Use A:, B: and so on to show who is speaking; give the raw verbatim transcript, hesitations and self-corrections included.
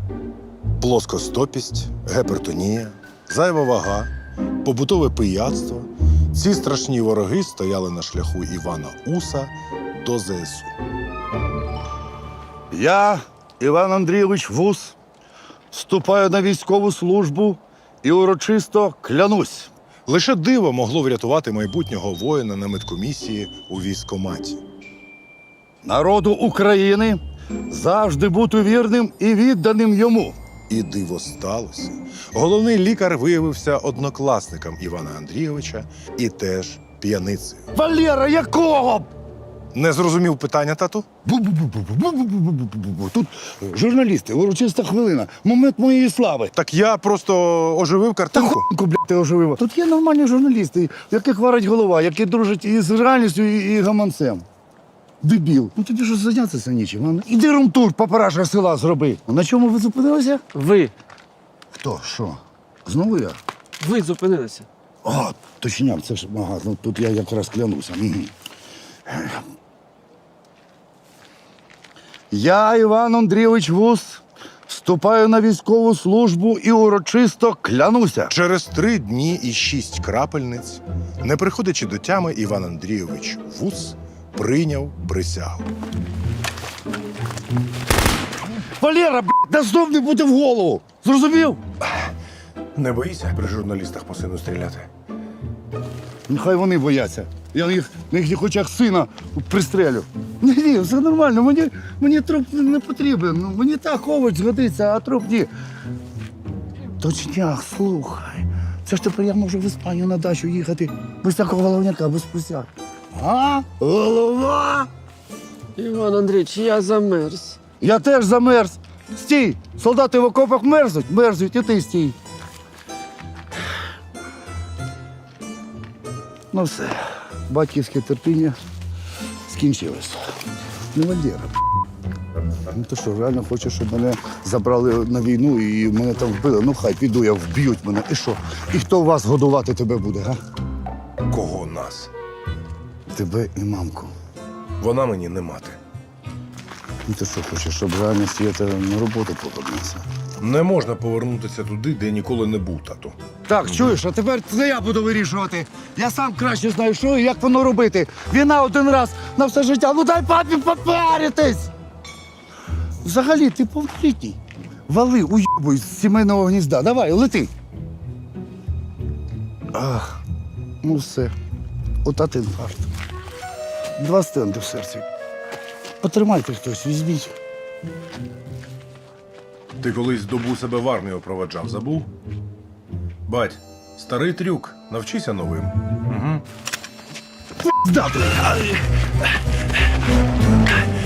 A: плоскостопість, гіпертонія, зайва вага, побутове пияцтво. Ці страшні вороги стояли на шляху Івана Уса до ЗСУ.
B: Я, Іван Андрійович Вус, вступаю на військову службу і урочисто клянусь.
A: Лише диво могло врятувати майбутнього воїна на медкомісії у військкоматі.
B: Народу України завжди бути вірним і відданим йому.
A: І диво сталося. Головний лікар виявився однокласником Івана Андрійовича і теж п'яницею.
B: Валера, якого?
A: Не зрозумів питання, тату?
B: Бу-бу-бу-бу-бу-бу-бу-бу-бу. Тут журналісти, урочиста хвилина, момент моєї слави.
A: Так я просто оживив
B: Та
A: картинку.
B: хуйку, блядь, ти оживила. Тут є нормальні журналісти, в яких варить голова, які дружать із реальністю, і, і гаманцем. Дебіл. Ну тобі ж зайнятися нічим. а? Іди румтур, папараша села зроби. На чому ви зупинилися?
C: Ви.
B: Хто? Що? Знову я?
C: Ви зупинилися.
B: А, точняк, це ж ага, ну тут я якраз клянуся. Мгм. Я, Іван Андрійович Вус, вступаю на військову службу і урочисто клянуся.
A: Через три дні і шість крапельниць, не приходячи до тями, Іван Андрійович Вус прийняв присягу.
B: Валера, блядь, да знов не буде в голову. Зрозумів?
A: Не боїся при журналістах по сину стріляти?
B: Нехай вони бояться. Я на їх, на їхніх очах сина пристрелю. Ні, ні, все нормально. Мені, мені труп не потрібен. Ну, мені так овоч згодиться, а труп ні. Точняк, слухай. Це ж тепер я можу в Іспанію на дачу їхати без такого головняка, без присяг. А? Голова?
C: Іван Андрійович, я замерз.
B: Я теж замерз. Стій! Солдати в окопах мерзнуть, мерзнуть, і ти стій. Ну все, батьківське терпіння скінчилось. Не Валера. Ну ти що, реально хочеш, щоб мене забрали на війну і мене там вбили? Ну хай піду, я вб'ють мене. І що? І хто вас годувати тебе буде, га?
A: Кого нас?
B: Тебе і мамку.
A: Вона мені не мати.
B: Ну ти що хочеш, щоб реально Свєта на роботу повернувся?
A: Не можна повернутися туди, де ніколи не був, тату.
B: Так, чуєш, а тепер це я буду вирішувати. Я сам краще знаю, що і як воно робити. Війна один раз на все життя. Ну дай папі попаритись! Взагалі, ти повнолітній. Вали, уйобуй з сімейного гнізда. Давай, лети. Ах, ну все. Отат інфаркт. Два стенди в серці. Потримайте хтось, візьміть.
A: Ти колись добу себе в армію проведжав, забув? Бать, старий трюк, навчися новим. Угу.
B: Здати.